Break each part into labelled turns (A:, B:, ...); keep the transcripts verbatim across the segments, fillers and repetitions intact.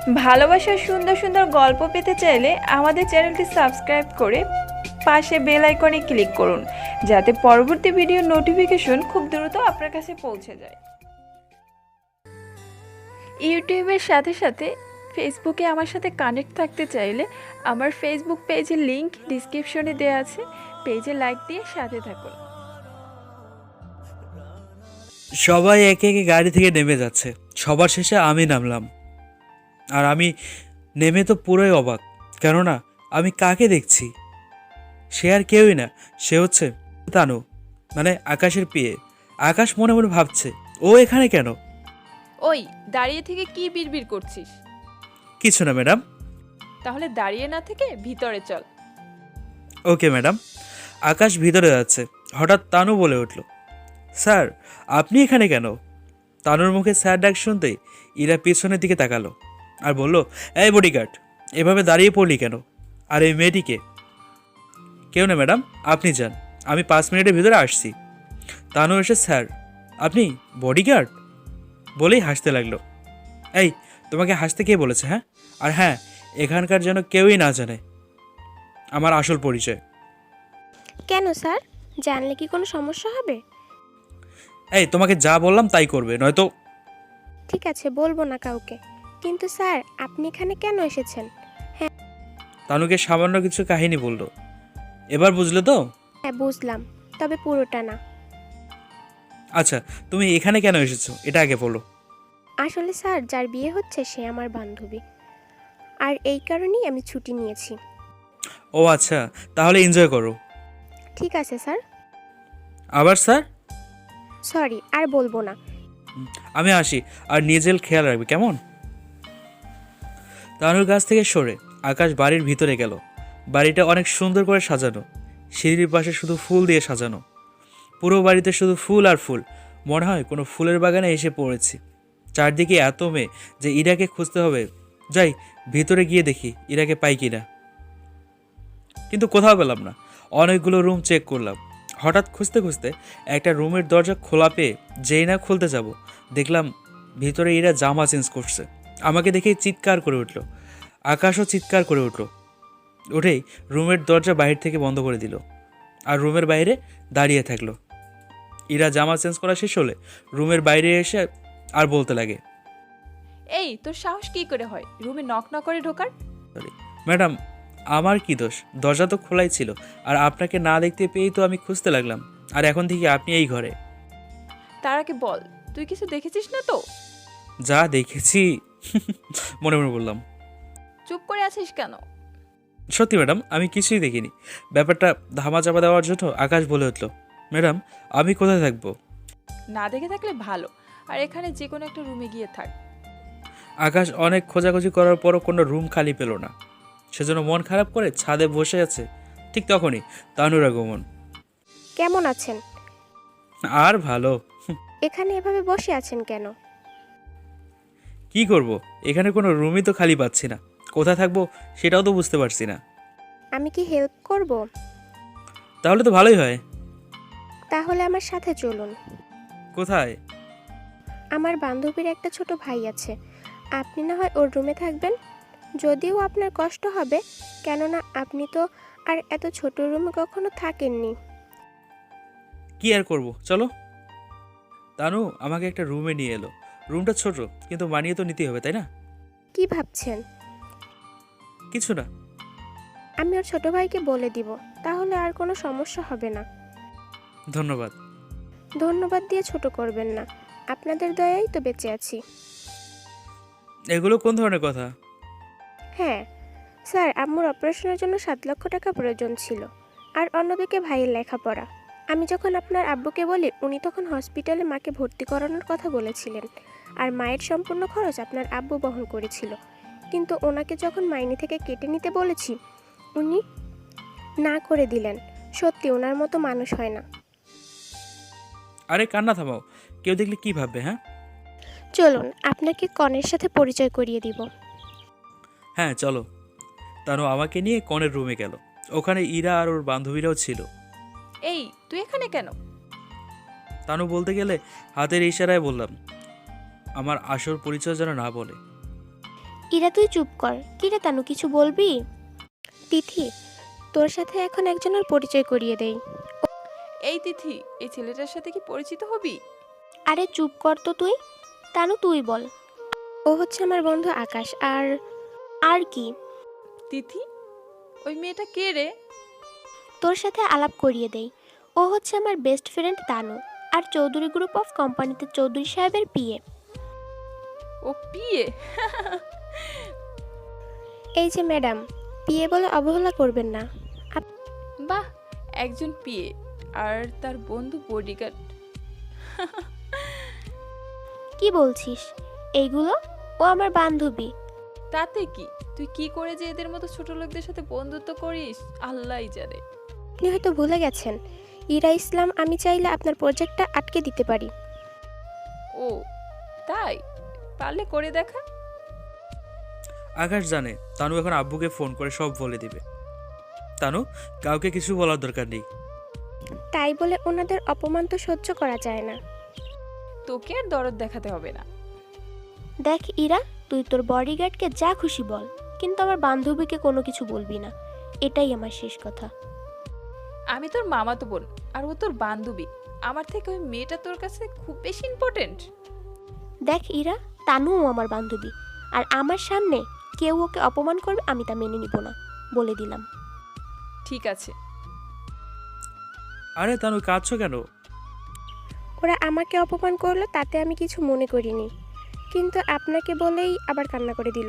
A: ভালোবাসার সুন্দর সুন্দর গল্প পেতে চাইলে আমাদের চ্যানেলটি সাবস্ক্রাইব করে পাশে বেল আইকনে ক্লিক করুন, যাতে পরবর্তী ভিডিওর নোটিফিকেশন খুব দ্রুত আপনার কাছে পৌঁছে যায়। ইউটিউবের সাথে সাথে ফেসবুকে আমার সাথে কানেক্ট থাকতে চাইলে আমার ফেসবুক পেজের লিংক ডিসক্রিপশনে দেওয়া আছে, পেজে লাইক দিয়ে সাথে থাকুন।
B: সবাই একে একে গাড়ি থেকে নেমে যাচ্ছে, সবার শেষে আমি নামলাম। আর আমি নেমে তো পুরোই অবাক, কেননা আমি কাকে দেখছি? সে আর কেউই না, সে হচ্ছে তানু, মানে আকাশের পিয়ে। আকাশ মনে মনে ভাবছে, ও এখানে কেন?
A: ওই দাঁড়িয়ে থেকে কি বিড়বিড় করছিস?
B: কিছু না ম্যাডাম।
A: তাহলে দাঁড়িয়ে না থেকে ভিতরে চল।
B: Okay madam. আকাশ ভিতরে যাচ্ছে, হঠাৎ তানু বলে উঠল, স্যার আপনি এখানে কেন? তানুর মুখে স্যার ডাক শুনতেই ইরা পিছনের দিকে তাকালো আর বলল, এই বডিগার্ড, এভাবে দাঁড়িয়ে পড়লি কেন? আর এই মেয়েটিকে? কেউ না ম্যাডাম, আপনি যান, আমি পাঁচ মিনিটের ভিতরে আসছি। তানু এসে, স্যার আপনি বডিগার্ড বলেই হাসতে লাগলো। এই, তোমাকে হাসতে কে বলেছে? হ্যাঁ, আর হ্যাঁ, এখানকার যেন কেউই না জানে আমার আসল পরিচয়।
C: কেন স্যার, জানলে কি কোনো সমস্যা হবে?
B: এই, তোমাকে যা বললাম তাই করবে, নয়তো।
C: ঠিক আছে, বলবো না কাউকে। কিন্তু স্যার, আপনি এখানে কেন এসেছেন?
B: তানুকে সামান্য কিছু কাহিনী বলল। এবার বুঝলে তো?
C: হ্যাঁ বুঝলাম, তবে পুরোটা না।
B: আচ্ছা, তুমি এখানে কেন এসেছো এটা আগে বলো।
C: আসলে স্যার, যার বিয়ে হচ্ছে সে আমার বান্ধবী, আর এই কারণেই আমি ছুটি নিয়েছি।
B: ও আচ্ছা, তাহলে এনজয় করো।
C: ঠিক আছে স্যার।
B: আবার স্যার?
C: সরি, আর বলবো না।
B: আমি আসি, আর নিজের খেয়াল রাখবে, কেমন? তানুর কাছ থেকে সরে আকাশ বাড়ির ভিতরে গেল। বাড়িটা অনেক সুন্দর করে সাজানো, সিঁড়ির পাশে শুধু ফুল দিয়ে সাজানো। পুরো বাড়িতে শুধু ফুল আর ফুল, মনে হয় কোনো ফুলের বাগানে এসে পড়েছি। চারদিকে এত মেয়ে যে ইরাকে খুঁজতে হবে। যাই, ভিতরে গিয়ে দেখি ইরাকে পাই কিনা। কিন্তু কোথাও পেলাম না। অনেকগুলো রুম চেক করলাম। হঠাৎ খুঁজতে খুঁজতে একটা রুমের দরজা খোলা পেয়ে যেই না খুলতে যাব, দেখলাম ভিতরে ইরা জামা চেঞ্জ করছে। আমাকে দেখেই চিৎকার করে উঠল। আকাশও চিৎকার করে উঠল। উঠেই রুমের দরজা বাহির থেকে বন্ধ করে দিল আর রুমের বাইরে দাঁড়িয়ে থাকলো। ইরা জামা চেঞ্জ করা শেষ হলে রুমের বাইরে এসে আর বলতে লাগে,
A: এই, তোর সাহস কি করে হয় রুমে নক না করে ঢোকার?
B: ম্যাডাম আমার কি দোষ? দরজা তো খোলাই ছিল, আর আপনাকে না দেখতে পেয়েই তো আমি খুঁজতে লাগলাম। আর এখন থেকে আপনি এই ঘরে।
A: তার আগে বল, তুই কিছু দেখেছিস না তো?
B: যা দেখেছি মনে মনে বললাম।
A: চুপ করে আছিস কেন?
B: সত্যি ম্যাডাম, আমি কিছুই দেখিনি। ব্যাপারটা ধামা চাপা দেওয়ার জন্য আকাশ বলে উঠল, ম্যাডাম আমি কোথায় থাকবো?
A: না দেখে থাকলে ভালো, আর এখানে যে কোনো একটা রুমে গিয়ে থাক।
B: আকাশ অনেক খোঁজাখুঁজি করার পরও কোনো রুম খালি পেল না। সেজন্য মন খারাপ করে ছাদে বসে আছে। ঠিক তখনই তানুর আগমন।
C: কেমন আছেন?
B: আর ভালো।
C: এখানে এভাবে বসে আছেন কেন?
B: কি করব, এখানে কোনো রুমই তো খালি পাচ্ছি না। কোথায় থাকবো সেটাও তো বুঝতে পারছি না।
C: আমি কি হেল্প করব?
B: তাহলে তো ভালোই হয়।
C: তাহলে আমার সাথে চলুন।
B: কোথায়?
C: আমার বান্ধবীর একটা ছোট ভাই আছে, আপনি না হয় ওর রুমে থাকবেন। যদিও আপনার কষ্ট হবে, কেননা আপনি তো আর এত ছোট রুমে কখনো থাকেননি।
B: কি আর করব, চলো। তানু আমাকে একটা রুমে নিয়ে এলো। রুমটা ছোট, কিন্তু মানিয়ে তো নিতেই হবে, তাই না?
C: কি ভাবছেন?
B: কিছু না।
C: আমি ওর ছোট ভাইকে বলে দিব, তাহলে আর কোনো সমস্যা হবে না।
B: ধন্যবাদ।
C: ধন্যবাদ দিয়ে ছোট করবেন না, আপনাদের দয়াই তো বেঁচে আছি।
B: এগুলো কোন ধরনের কথা?
C: হ্যাঁ স্যার, আম্মুর অপারেশনের জন্য সাত লক্ষ টাকা প্রয়োজন ছিল, আর অন্যদিকে ভাইয়ের লেখাপড়া। আমি যখন আপনার আব্বুকে বলি, উনি তখন হসপিটালে মাকে ভর্তি করানোর কথা বলেছিলেন, আর মায়ের সম্পূর্ণ খরচ আপনার আব্বু বহন করেছিল। কিন্তু ওনাকে যখন মাইনে থেকে কেটে নিতে বলেছি, উনি না করে দিলেন। সত্যি ওনার মতো মানুষ হয় না।
B: আরে কান্না থামাও, কেউ দেখলে কি ভাববে? হ্যাঁ
C: চলুন আপনাকে কনের সাথে পরিচয় করিয়ে দিব।
B: হ্যাঁ চলো। তানু আমাকে নিয়ে কনের রুমে গেল। ওখানে ইরা আর ওর বান্ধবীরাও ছিল।
A: এই, তুই এখানে কেন?
B: তানু বলতে গেলে হাতের ইশারায় বললাম, আমার আসল পরিচয় যেন না বলে।
C: ইরা তুই চুপ কর। কিরে তানু, কিছু বলবি? তিথি, তোর সাথে এখন একজনের পরিচয় করিয়ে দেই।
A: এই তিথি, এই ছেলেটার সাথে কি পরিচিত হবি?
C: আরে চুপ কর তো তুই। তানু তুই বল। ও হচ্ছে আমার বন্ধু আকাশ। আর আর কি?
A: তিথি, ওই মেয়েটা কে রে?
C: তোর সাথে আলাপ করিয়ে দেই। ও হচ্ছে আমার বেস্ট ফ্রেন্ড তানু, আর চৌধুরী গ্রুপ অফ কোম্পানিতে চৌধুরী সাহেবের পিএ।
A: ও পিয়ে?
C: এই যে ম্যাডাম, পিএ বলে অবহেলা করবেন না।
A: বাহ, একজন পিয়ে আর তার বন্ধু বডিগার্ড।
C: কি বলছিস এইগুলো? ও আমার বান্ধবী।
A: তাতে কি, তুই কি করে যে এদের মতো ছোট লোকদের সাথে বন্ধুত্ব করিস আল্লাহই জানে।
C: আপনি হয়তো ভুলে গেছেন, ইরা ইসলাম আমি চাইলে আপনার প্রজেক্টটা আটকে দিতে পারি।
A: ও তাই? পারলে করে দেখা।
B: আকাশ জানে তানু এখন আব্বুকে ফোন করে সব বলে দিবে। তানু, কাউকে কিছু বলার দরকার নেই।
C: তাই বলে ওনাদের অপমান তো সহ্য করা যায় না।
A: তোকে আর দরদ দেখাতে হবে না।
C: দেখ ইরা, তুই তোর বডিগার্ডকে যা খুশি বল, কিন্তু আমার বান্ধবীকে কোনো কিছু বলবি না। এটাই আমার শেষ কথা।
A: আমি তোর মামাতো বোন আর ও তোর বান্ধবী। আমার থেকে ওই মেয়েটা তোর কাছে খুব বেশি ইম্পর্টেন্ট?
C: দেখ ইরা, তানুও আমার বান্ধবী, আর আমার সামনে কেউ ওকে অপমান করবে আমি তা মেনে নিব না, বলে দিলাম।
A: ঠিক আছে।
B: আরে তানু, কাঁদছো কেন?
C: ওরা আমাকে অপমান করলো তাতে আমি কিছু মনে করিনি, কিন্তু আপনাকে বলেই আবার কান্না করে দিল।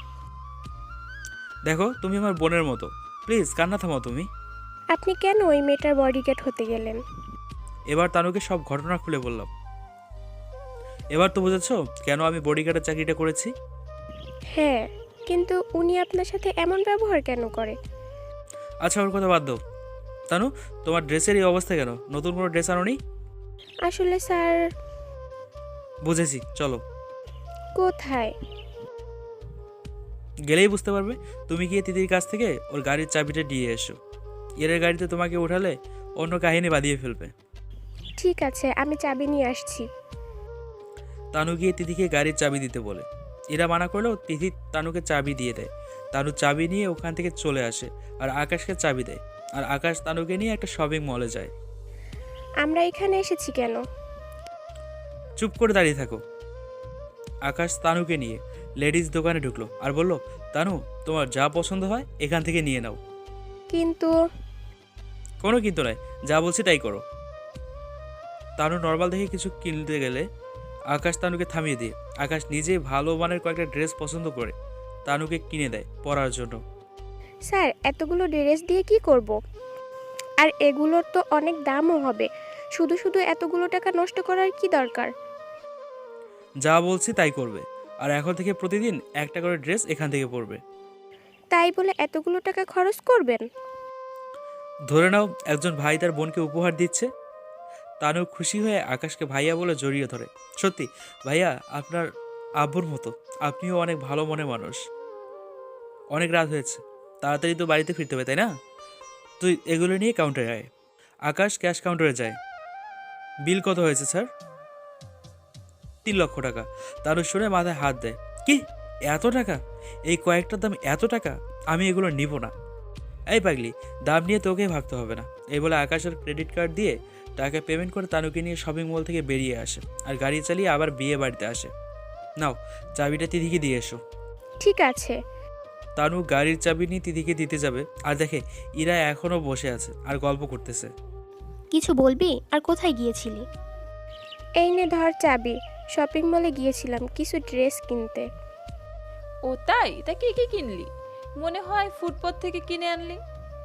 B: দেখো, তুমি আমার বোনের মতো, প্লিজ কান্না থামাও তুমি।
C: আপনি কেন ওই মেয়েটার বডিগার্ড হতে গেলেন?
B: এবার তানুকে সব ঘটনা খুলে বললাম। এবার তো বুঝেছো কেন আমি বডিগার্ডের চাকরিটা করেছি।
C: হ্যাঁ, কিন্তু উনি আপনার সাথে এমন ব্যবহার কেন করে?
B: আচ্ছা, ওর কথা বাদ দাও। তানু, তোমার ড্রেসের এই অবস্থা কেন? নতুন কোনো ড্রেস আনোনি?
C: আসলে স্যার।
B: বুঝেছি, চলো।
C: কোথায়?
B: গেলেই বুঝতে পারবে। তুমি গিয়ে তিতির কাছ থেকে ওর গাড়ির চাবিটা দিয়ে এসো। এর গাড়িতে তোমাকে উঠালে অন্য কাহিনী বাঁধিয়ে ফেলবে।
C: ঠিক আছে, আমি চাবি নিয়ে আসছি।
B: তানু গিয়ে তিথিকে গাড়ির চাবি দিতে বলে। এরা মানা করলেও তিথি তানুকে চাবি দিয়ে দেয়। তানু চাবি নিয়ে ওখান থেকে চলে আসে আর আকাশকে চাবি দেয়। আর আকাশ তানুকে নিয়ে একটা শপিং মলে যায়।
C: আমরা এখানে এসেছি কেন?
B: চুপ করে দাঁড়িয়ে থাকো। আকাশ তানুকে নিয়ে লেডিস দোকানে ঢুকলো আর বলল, তানু, তোমার যা পছন্দ হয় এখান থেকে নিয়ে নাও।
C: কিন্তু
B: কোনো কিন্তু নয়, যা বলছি তাই করো। তানু নর্মাল দেখে কিছু কিনতে গেলে আকাশ তানুকে থামিয়ে দিয়ে আকাশ নিজেই ভালো মানের কয়েকটা ড্রেস পছন্দ করে তানুকে কিনে দেয় পরার জন্য।
C: স্যার, এতগুলো ড্রেস দিয়ে কি করব? আর এগুলোর তো অনেক দামও হবে। শুধু শুধু এতগুলো টাকা নষ্ট করার কি দরকার?
B: যা বলছি তাই করবে, আর এখন থেকে প্রতিদিন একটা করে ড্রেস এখান থেকে পরবে।
C: তাই বলে এতগুলো টাকা খরচ করবেন?
B: ধরে নাও একজন ভাই তার বোনকে উপহার দিচ্ছে। তানু খুশি হয়ে আকাশকে ভাইয়া বলে জড়িয়ে ধরে। সত্যি ভাইয়া, আপনার আব্বুর মতো আপনিও অনেক ভালো মনে মানুষ। অনেক রাত হয়েছে, তাড়াতাড়ি তো বাড়িতে ফিরতে হবে, তাই না? তুই এগুলো নিয়ে কাউন্টারে আয়। আকাশ ক্যাশ কাউন্টারে যায়। বিল কত হয়েছে স্যার? তিন লক্ষ টাকা। তানু শুনে মাথায় হাত দেয়। কি, এত টাকা? এই কয়েকটার দাম এত টাকা? আমি এগুলো নিব না। এই পাগলি, দাম নিয়ে তোকে ভাবতে হবে না। এই বলে আকাশের ক্রেডিট কার্ড দিয়ে টাকা পেমেন্ট করে তানুকে নিয়ে শপিং মল থেকে বেরিয়ে আসে আর গাড়ি চালিয়ে আবার বিয়ে বাড়িতে আসে। নাও, চাবিটা তিথিকে দিয়ে এসো।
C: ঠিক আছে।
B: তানু গাড়ির চাবি নিয়ে তিথিকে দিতে যাবে আর দেখে ইরা এখনও বসে আছে আর গল্প করতেছে।
C: কিছু বলবি? আর কোথায় গিয়েছিলি? এই নে ধর চাবি। শপিং মলে গিয়েছিলাম কিছু ড্রেস কিনতে।
A: ও তাই? তা কি কি কিনলি? মনে হয় ফুটপাত থেকে কিনে আনলি।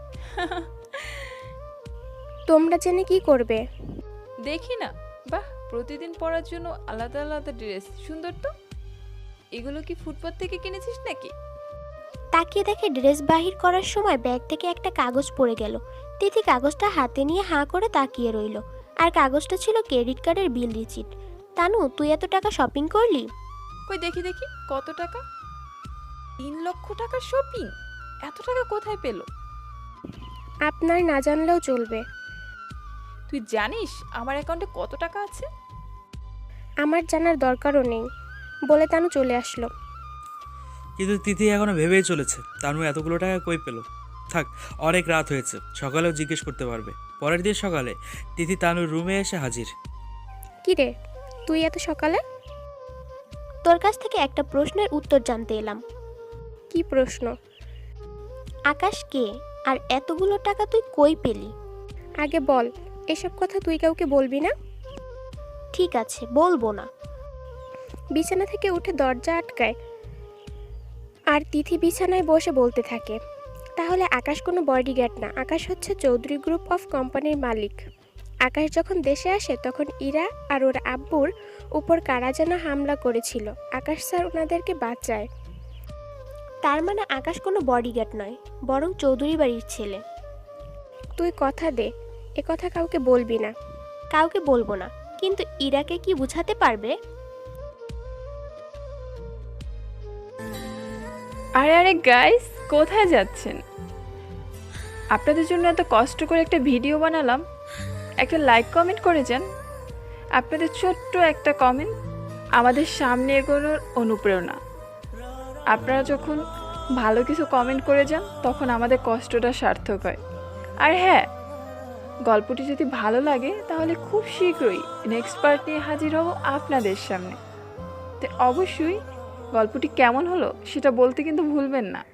C: তোমরা জেনে কি করবে?
A: দেখি না। বাহ, প্রতিদিন পরার জন্য আলাদা আলাদা ড্রেস, সুন্দর তো। এগুলো কি ফুটপাত থেকে কিনেছিস নাকি?
C: তাকিয়ে দেখে ড্রেস বাহির করার সময় ব্যাগ থেকে একটা কাগজ পড়ে গেল। তিথি কাগজটা হাতে নিয়ে হাঁ করে তাকিয়ে রইল, আর কাগজটা ছিল ক্রেডিট কার্ডের বিল রিসিট। তানু, তুই এত টাকা শপিং করলি?
A: কই দেখি দেখি, কত টাকা? তিন লক্ষ টাকা শপিং? এত টাকা কোথায় পেলো?
C: আপনার না জানলেও চলবে।
A: তুই জানিস আমার অ্যাকাউন্টে কত টাকা আছে?
C: আমার জানার দরকারও নেই, বলে তানু চলে আসলো।
B: কিন্তু তিথি এখনও ভেবেই চলেছে তানু এতগুলো টাকা কই পেল। থাক, অনেক রাত হয়েছে, সকালেও জিজ্ঞেস করতে পারবে। পরের দিন সকালে তিথি তানুর রুমে এসে হাজির।
C: কি রে, তুই এত সকালে?
D: তোর কাছ থেকে একটা প্রশ্নের উত্তর জানতে এলাম।
C: কি প্রশ্ন?
D: আকাশ কে, আর এতগুলো টাকা তুই কই পেলি?
C: আগে বল, এসব কথা তুই কাউকে বলবি না।
D: ঠিক আছে, বলবো না।
C: বিছানা থেকে উঠে দরজা আটকায় আর তিথি বিছানায় বসে বলতে থাকে, তাহলে আকাশ কোনো বডিগার্ড না, আকাশ হচ্ছে চৌধুরী গ্রুপ অফ কোম্পানির মালিক। আকাশ যখন দেশে আসে তখন ইরা আর ওর আব্বুর উপর কারা যেন হামলা করেছিল, আকাশ স্যার ওনাদেরকে বাঁচায়।
D: তার মানে আকাশ কোনো বডিগার্ড নয়, বরং চৌধুরী বাড়ির ছেলে।
C: তুই কথা দে, এ কথা কাউকে বলবি না।
D: কাউকে বলবো না, কিন্তু ইরাকে কি বুঝাতে পারবে?
A: আরে আরে গাইস, কোথায় যাচ্ছেন? আপনাদের জন্য এত কষ্ট করে একটা ভিডিও বানালাম, একটা লাইক কমেন্ট করে যান। আপনাদের ছোট্ট একটা কমেন্ট আমাদের সামনে এগোনোর অনুপ্রেরণা। আপনারা যখন ভালো কিছু কমেন্ট করে যান তখন আমাদের কষ্টটা সার্থক হয়। আর হ্যাঁ, গল্পটি যদি ভালো লাগে তাহলে খুব শীঘ্রই নেক্সট পার্ট নিয়ে হাজির হব আপনাদের সামনে। তো অবশ্যই গল্পটি কেমন হলো সেটা বলতে কিন্তু ভুলবেন না।